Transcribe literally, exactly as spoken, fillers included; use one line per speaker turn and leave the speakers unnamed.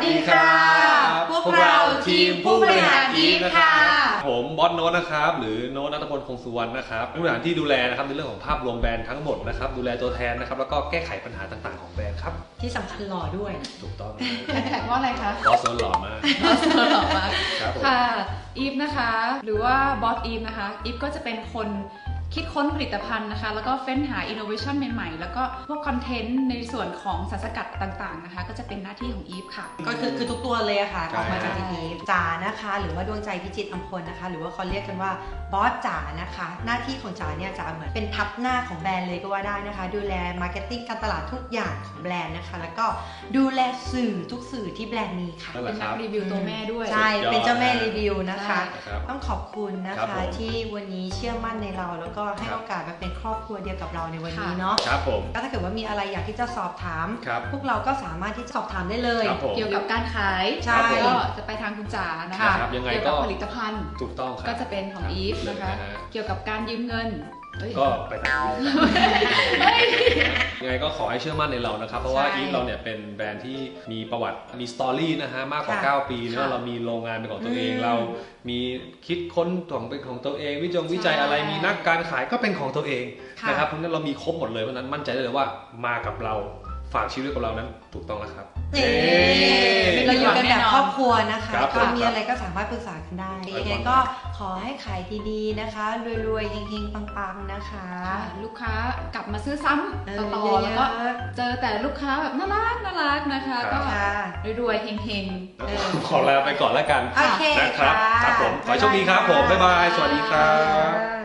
ดีค่ะพวกเราทีมผู้บริหารอีฟค่ะ
ผมบอสโน้ตนะครับหรือโน้ตณัฐพล คงสุวรรณนะครับผู้บริหารที่ดูแลนะครับในเรื่องของภาพรวมแบรนด์ทั้งหมดนะครับดูแลตัวแทนนะครับแล้วก็แก้ไขปัญหาต่างๆของแบรนด์ครับ
ที่สำคัญหล่อด้วย
ถูกต้อง
แฮชแท็กว่าอะไรคะ
บอสโน้ตหล่อมาก
บอสโน้ตหล่อมาก
ครับ
ค่ะอีฟนะคะหรือว่าบอสอีฟนะคะอีฟก็จะเป็นคนคิดค้นผลิตภัณฑ์นะคะแล้วก็เฟ้นหาอินโนเวชันใหม่ๆแล้วก็พวกคอนเทนต์ในส่วนของสารสกัดต่างๆนะคะก็จะเป็นหน้าที่ของอีฟค่ะ
ก็คือคือทุกตัวเลยอะค่ะออกมาจากอีฟจ๋านะคะหรือว่าดวงใจพิจิตรอัมพลนะคะหรือว่าเขาเรียกกันว่าบอสจ๋านะคะหน้าที่ของจ๋าเนี่ยจ๋าเหมือนเป็นทับหน้าของแบรนด์เลยก็ว่าได้นะคะดูแลมาร์เก็ตติ้งการตลาดทุกอย่างของแบรนด์นะคะแล้วก็ดูแลสื่อทุกสื่อที่แบรนด์มีค่ะ
เป็นนักรีวิวตัวแม่ด้วย
ใช่เป็นเจ้าแม่รีวิวนะคะต้องขอบคุณนะคะที่วันนี้เชื่อมั่นในเราแล้วก็ให้โอกาสมาเป็นครอบครัวเดียวกับเราในวันนี้เนาะ
ครับผม
ก็ถ้าเกิดว่ามีอะไรอยากที่จะสอบถามพวกเราก็สามารถที่จะสอบถามได้เลย
เกี่ยวกับการขาย
ใช่
ก็จะไปทางคุณจ๋านะคะเกี่ยวกับผลิตภัณฑ์
ถูกต้อง
ก็จะเป็นของอีฟนะคะเกี่ยวกับการยืมเงิน
ก็ไปทางยังไงก็ขอให้เชื่อมั่นในเรานะครับเพราะว่าอีฟเราเนี่ยเป็นแบรนด์ที่มีประวัติมีสตอรี่นะฮะมากกว่าเก้าปีเนะเรามีโรงงานเป็นของตัวเองเรามีคิดค้นของเป็นของตัวเองวิจงวิจัยอะไรมีนักการขายก็เป็นของตัวเองนะครับเพราะฉะนั้นเรามีครบหมดเลยเพราะนั้นมั่นใจได้เลยว่ามากับเราฝากชีวิตกับเรานั้นถูกต้องแล้วครับ
เราอยู่กันแบบครอบครัวนะคะก็มีอะไรก็สามารถปรึกษากันได้ยังไงก็ขอให้ขายดีๆนะคะรวยๆเฮงๆปังๆนะคะ
ลูกค้ากลับมาซื้อซ้ำต่อแล้วก็เจอแต่ลูกค้าแบบน่ารักน่ารักนะคะก็รวยๆเฮง
ๆขอลาไปก่อนแล้วกัน
โอเค
นะครับครับผมขอโชคดีครับผมบ๊ายบายสวัสดีครับ